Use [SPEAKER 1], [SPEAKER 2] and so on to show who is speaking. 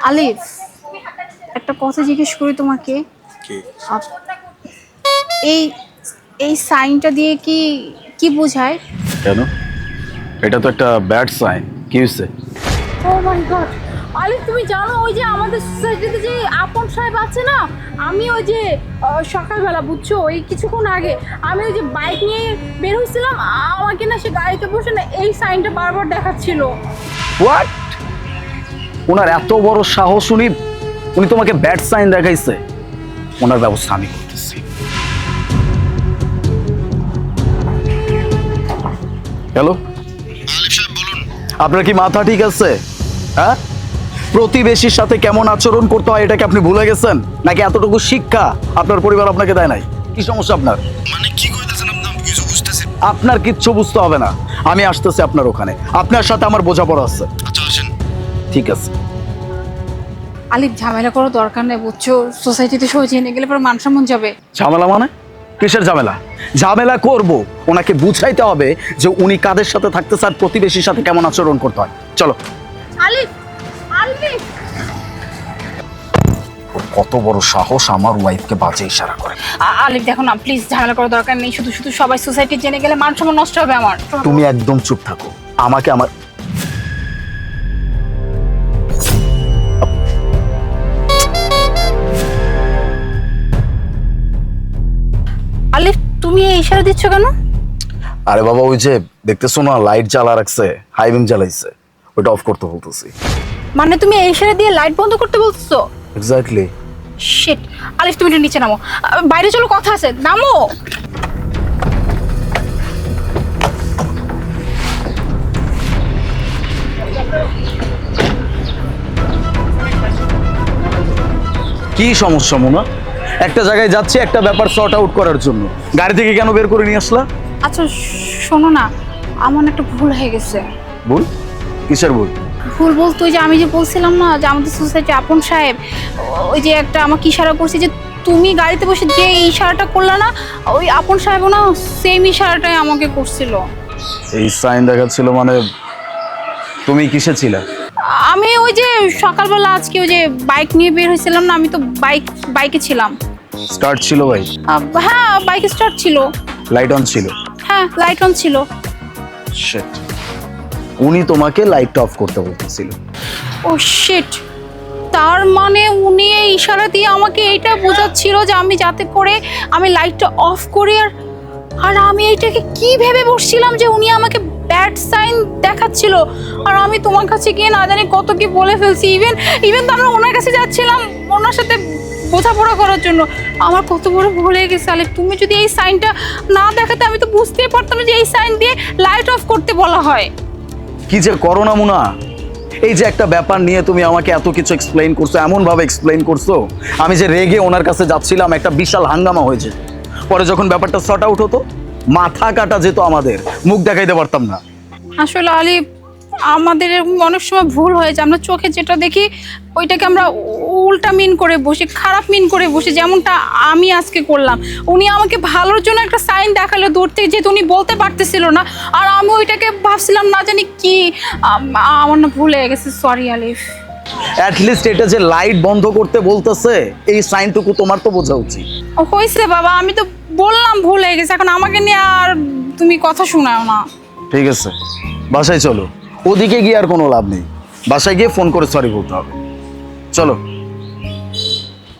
[SPEAKER 1] আলিফ, একটা কথা জিজ্ঞেস করি তোমাকে।
[SPEAKER 2] কি?
[SPEAKER 1] এই এই সাইনটা দিয়ে কি কি বোঝায়?
[SPEAKER 2] কেন? এটা তো একটা ব্যাড সাইন। কি হয়েছে?
[SPEAKER 1] ও মাই গড, আলিফ তুমি জানো ওই যে আমাদের সোসাইটিতে যে আপন সাহেব আছে না, আমি ওই যে সকালবেলা বুঝছো ওই কিছুক্ষণ আগে আমি ওই যে বাইক নিয়ে বের হয়েছিলাম, আমাকে না সে গাড়িতে বসে না এই সাইনটা বারবার দেখাচ্ছিল।
[SPEAKER 2] হোয়াট? ওনার এত বড় সাহস, উনি তোমাকে ব্যাড সাইন দেখাইছে? ওনার ব্যবস্থা আমি করতেছি। হ্যালো,
[SPEAKER 3] আলিফ সাহেব বলুন।
[SPEAKER 2] আপনার কি মাথা ঠিক আছে? হ্যাঁ, প্রতিবেশীর সাথে কেমন আচরণ করতে হয় এটাকে আপনি ভুলে গেছেন নাকি এতটুকু শিক্ষা আপনার পরিবার আপনাকে দেয় নাই? কি সমস্যা আপনার?
[SPEAKER 3] মানে কি কইতেছেন আপনি? আমি কিছু বুঝতেছি।
[SPEAKER 2] আপনার কিচ্ছু বুঝতে হবে না, আমি আসতেছি আপনার ওখানে। আপনার সাথে আমার বোঝাপড়া আছে।
[SPEAKER 3] আচ্ছা আসেন।
[SPEAKER 2] ঠিক আছে।
[SPEAKER 1] আলিফ ঝামেলা করার দরকার নেই বুঝছো, সোসাইটিতে সবাই জেনে গেলে পরে মান সম্মান যাবে।
[SPEAKER 2] ঝামেলা মানে? কিসের ঝামেলা? ঝামেলা করব, ওনাকে বুঝাইতে হবে যে উনি কাদের সাথে থাকতে চান, প্রতিবেশীর সাথে কেমন আচরণ করতে হয়। চলো।
[SPEAKER 1] আলিফ, আলিফ
[SPEAKER 2] কত বড় সাহস আমার ওয়াইফকে বাজে ইশারা করে।
[SPEAKER 1] আলিফ দেখো না প্লিজ, ঝামেলা করার দরকার নেই, শুধু শুধু সবাই সোসাইটি জেনে গেলে মান সম্মান নষ্ট হবে আমার।
[SPEAKER 2] তুমি একদম চুপ থাকো। আমাকে আমার
[SPEAKER 1] আলিফ তুমি এই ইশারা দিচ্ছ কেন?
[SPEAKER 2] আরে বাবা, ওই যে দেখতেছো না লাইট জ্বালা রাখছে, হাই বিম জ্বালাইছে, ওটা অফ করতে বলতেছি।
[SPEAKER 1] মানে তুমি এই ইশারা দিয়ে লাইট বন্ধ করতে বলছো?
[SPEAKER 2] এক্স্যাক্টলি।
[SPEAKER 1] শিট, আলিফ তুমি একটু নিচে নামো, বাইরে চলো, কথা আছে, নামো।
[SPEAKER 2] কি সমস্যা মোনা? একটা জায়গায় যাচ্ছি একটা ব্যাপার সর্ট আউট করার জন্য, গাড়ি থেকে কেন বের করে নিয়ে আসলা?
[SPEAKER 1] আচ্ছা শোনো না, আমার না একটা ভুল হয়ে গেছে।
[SPEAKER 2] ভুল? কিসের ভুল?
[SPEAKER 1] ভুল বলতে ওই যে আমি যে বলছিলাম না যে আমাদের সোসাইটি আপন সাহেব ওই যে একটা আমাকে ইশারা করছে, যে তুমি গাড়িতে বসে যে ইশারাটা করলা না, ওই আপন সাহেবও না সেম ইশারাটাই আমাকে করছিল।
[SPEAKER 2] এই সাইন দেখাচ্ছিল মানে? তুমি কিসে ছিলা?
[SPEAKER 1] আমি ওই যে সকালবেলা আজকে ওই যে বাইক নিয়ে বের হয়েছিলাম না, আমি তো বাইকে ছিলাম।
[SPEAKER 2] স্টার্ট ছিল ভাই?
[SPEAKER 1] হ্যাঁ বাইক স্টার্ট ছিল।
[SPEAKER 2] লাইট অন ছিল?
[SPEAKER 1] হ্যাঁ লাইট অন ছিল।
[SPEAKER 2] শিট, উনি তোমাকে লাইটটা অফ করতে বলতেছিল।
[SPEAKER 1] ও শিট, তার মানে উনি এই ইশারা দিয়ে আমাকে এইটা বোঝাচ্ছিল যে আমি যাতে করে আমি লাইটটা অফ করি। আর আমি এইটাকে কি ভেবে বসছিলাম যে উনি আমাকে ব্যাড সাইন দেখাচ্ছিল, আর আমি তোমার কাছে গিয়ে না জানি কত কি বলে ফেলছি। ইভেন তো আমরা ওনার কাছে যাচ্ছিলাম ওনার সাথে বোঝাপড়া করার জন্য। আমার কত বড় ভুল হয়ে গেছে আলিফ, তুমি যদি এই সাইনটা না দেখাতে আমি তো বুঝতেই পারতাম না যে এই সাইন দিয়ে লাইট অফ করতে বলা হয়।
[SPEAKER 2] কি যে করো না মুনা, এই যে একটা ব্যাপার নিয়ে তুমি আমাকে এত কিছু এক্সপ্লেইন করছো, এমন ভাবে এক্সপ্লেইন করছো, আমি যে রেগে ওনার কাছে যাচ্ছিলাম, একটা বিশাল হাঙ্গামা হয়েছে। পরে যখন ব্যাপারটা সর্ট আউট হতো, মাথা কাটা যেত আমাদের, মুখ দেখাইতে পারতাম না।
[SPEAKER 1] আসলে আলিফ আমাদের এরকম অনেক সময় ভুল হয়ে যায়, আমরা চোখে যেটা দেখি ওইটাকে আমরা উল্টা মিন করে বসি, খারাপ মিন করে বসি, যেমনটা আমি আজকে করলাম। উনি আমাকে ভালোর জন্য একটা সাইন দেখালো দূর থেকে, যেহেতু উনি বলতে পারতেছিল না, আর আমি ওইটাকে ভাবছিলাম না জানি কি, আমার না ভুল হয়ে গেছে, সরি আলিফ।
[SPEAKER 2] অ্যাটলিস্ট এটা যে লাইট বন্ধ করতে বলতেছে, এই সাইনটুকু তোমার তো বোঝা উচিত।
[SPEAKER 1] হয়েছে বাবা, আমি তো বললাম ভুল হয়ে গেছে, এখন আমাকে নিয়ে আর তুমি কথা শোনাও না।
[SPEAKER 2] ঠিক আছে, বাসায় চলো, ওদিকে গিয়ে আর কোনো লাভ নেই, বাসায় গিয়ে ফোন করে সরি বলতে হবে। চলো।